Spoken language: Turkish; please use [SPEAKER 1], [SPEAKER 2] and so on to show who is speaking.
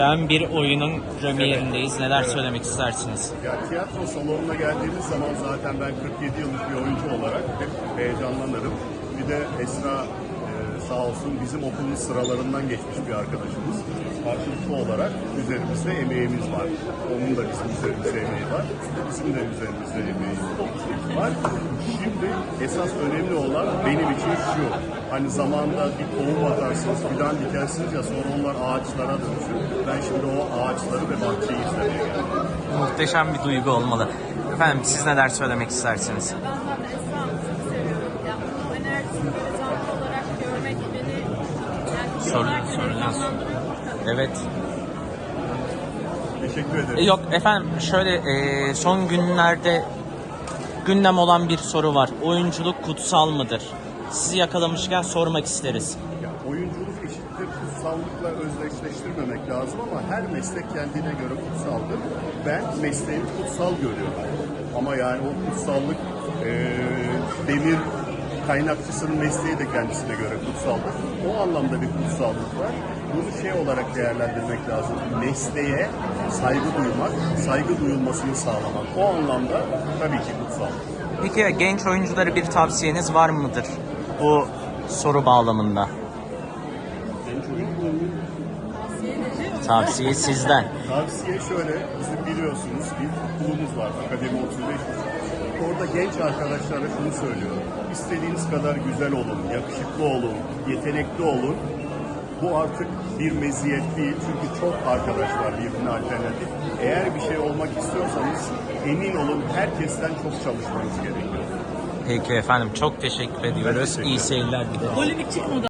[SPEAKER 1] Ben bir oyunun premierindeyiz. Neler söylemek istersiniz?
[SPEAKER 2] Ya tiyatro salonuna geldiğimiz zaman zaten ben 47 yıllık bir oyuncu olarak hep heyecanlanırım. Bir de Esra sağ olsun bizim okulun sıralarından geçmiş bir arkadaşımız. Karşılıklı olarak üzerimizde emeğimiz var. Onun da bizim üzerimizde emeği var. Bizim de üzerimizde emeği var. Şimdi esas önemli olan benim için şu. Hani zamanda bir tohum atarsınız, fidan dikersiniz ya sonra onlar ağaçlara dönüşür. Ben şimdi o ağaçları ve bahçeyi izlemeye geldim.
[SPEAKER 1] Muhteşem bir duygu olmalı. Efendim siz neler söylemek istersiniz?
[SPEAKER 3] Ben zaten Esra Hanım'ı çok seviyorum. Yani bu enerjisini böyle canlı olarak görmek beni yani
[SPEAKER 1] Soracağız.
[SPEAKER 3] heyecanlandırıyor.
[SPEAKER 1] Evet.
[SPEAKER 2] Teşekkür ederim.
[SPEAKER 1] Yok efendim şöyle son günlerde gündem olan bir soru var. Oyunculuk kutsal mıdır? Sizi yakalamışken sormak isteriz.
[SPEAKER 2] Ya, oyunculuk eşittir kutsallıkla özdeşleştirmemek lazım ama her meslek kendine göre kutsaldır. Ben mesleğimi kutsal görüyorum. Ama yani o kutsallık demir kaynakçısının mesleği de kendisine göre kutsaldır. O anlamda bir kutsallık var. Bunu şey olarak değerlendirmek lazım. Mesleğe saygı duymak, saygı duyulmasını sağlamak. O anlamda tabii ki kutsallık.
[SPEAKER 1] Peki genç oyunculara bir tavsiyeniz var mıdır bu soru bağlamında?
[SPEAKER 2] Genç oyuncu
[SPEAKER 1] Tavsiye sizden.
[SPEAKER 2] Tavsiye şöyle, bizim biliyorsunuz bir okulumuz var, Akademi 35. Orada genç arkadaşlara şunu söylüyorum. İstediğiniz kadar güzel olun, yakışıklı olun, yetenekli olun. Bu artık bir meziyet değil çünkü çok arkadaş var birbirine alternatif. Eğer bir şey olmak istiyorsanız emin olun herkesten çok çalışmanız gerekiyor.
[SPEAKER 1] Peki efendim çok teşekkür ediyoruz.
[SPEAKER 2] teşekkür
[SPEAKER 1] İyi
[SPEAKER 2] ederim.
[SPEAKER 1] seyirler dileriz.
[SPEAKER 3] Polemik çıkmadı.